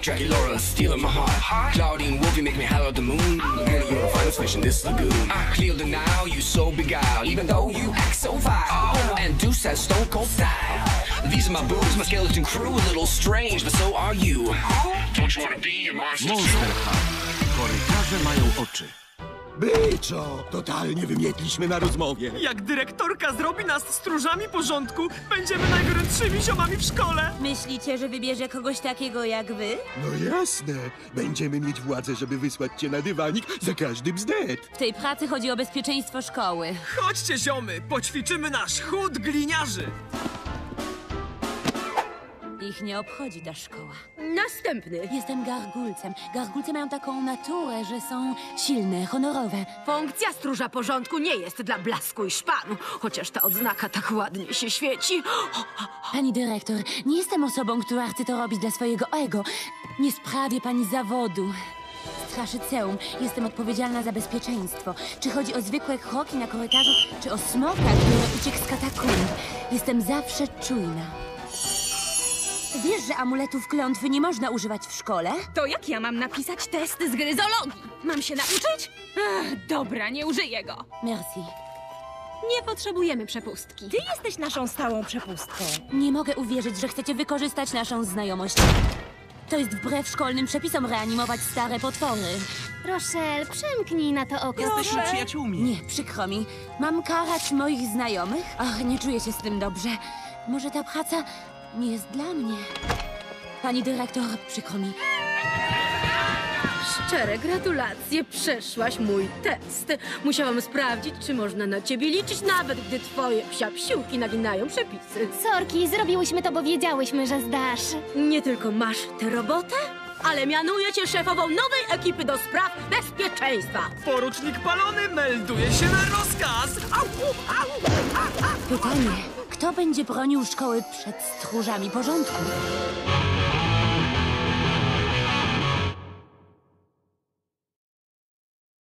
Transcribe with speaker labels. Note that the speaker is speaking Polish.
Speaker 1: Dracula stealing my heart. Claudine Wolf, you make me holler at the moon. Girl, you're a finest fish in this lagoon. I clear the now, you so beguiled, even though you act so vile. And Deuce has stone cold style. These are my boobs, my skeleton crew, a little strange, but so are you. Don't you wanna be a monster?
Speaker 2: Monster High. Korytarze mają oczy.
Speaker 3: Byczo, totalnie wymietliśmy na rozmowie.
Speaker 4: Jak dyrektorka zrobi nas stróżami porządku, będziemy najgorętszymi ziomami w szkole.
Speaker 5: Myślicie, że wybierze kogoś takiego jak wy?
Speaker 3: No jasne, będziemy mieć władzę, żeby wysłać cię na dywanik za każdy bzdet.
Speaker 5: W tej pracy chodzi o bezpieczeństwo szkoły.
Speaker 4: Chodźcie, ziomy, poćwiczymy nasz chód gliniarzy.
Speaker 5: Ich nie obchodzi ta szkoła.
Speaker 6: Następny.
Speaker 5: Jestem gargulcem. Gargulce mają taką naturę, że są silne, honorowe.
Speaker 6: Funkcja stróża porządku nie jest dla blasku i szpanu, chociaż ta odznaka tak ładnie się świeci.
Speaker 5: Pani dyrektor, nie jestem osobą, która chce to robić dla swojego ego. Nie sprawię pani zawodu. Straszyceum. Jestem odpowiedzialna za bezpieczeństwo. Czy chodzi o zwykłe kroki na korytarzu, czy o smoka, który uciekł z katakumb. Jestem zawsze czujna. Wiesz, że amuletów klątwy nie można używać w szkole?
Speaker 7: To jak ja mam napisać test z gry zoologii? Mam się nauczyć? Dobra, nie użyję go.
Speaker 5: Merci.
Speaker 7: Nie potrzebujemy przepustki.
Speaker 8: Ty jesteś naszą stałą przepustką.
Speaker 5: Nie mogę uwierzyć, że chcecie wykorzystać naszą znajomość. To jest wbrew szkolnym przepisom reanimować stare potwory.
Speaker 9: Rochelle, przymknij na to oko.
Speaker 2: Jesteśmy przyjaciółmi.
Speaker 5: Nie, przykro mi. Mam karać moich znajomych? Ach, nie czuję się z tym dobrze. Może ta praca nie jest dla mnie. Pani dyrektor, przykro mi.
Speaker 6: Szczere gratulacje, przeszłaś mój test. Musiałam sprawdzić, czy można na ciebie liczyć, nawet gdy twoje psiapsiłki naginają przepisy.
Speaker 9: Sorki, zrobiłyśmy to, bo wiedziałyśmy, że zdasz.
Speaker 6: Nie tylko masz tę robotę, ale mianuję cię szefową nowej ekipy do spraw bezpieczeństwa.
Speaker 4: Porucznik Palony melduje się na rozkaz. Au, au, au.
Speaker 5: Pytanie, kto będzie bronił szkoły przed stróżami porządku?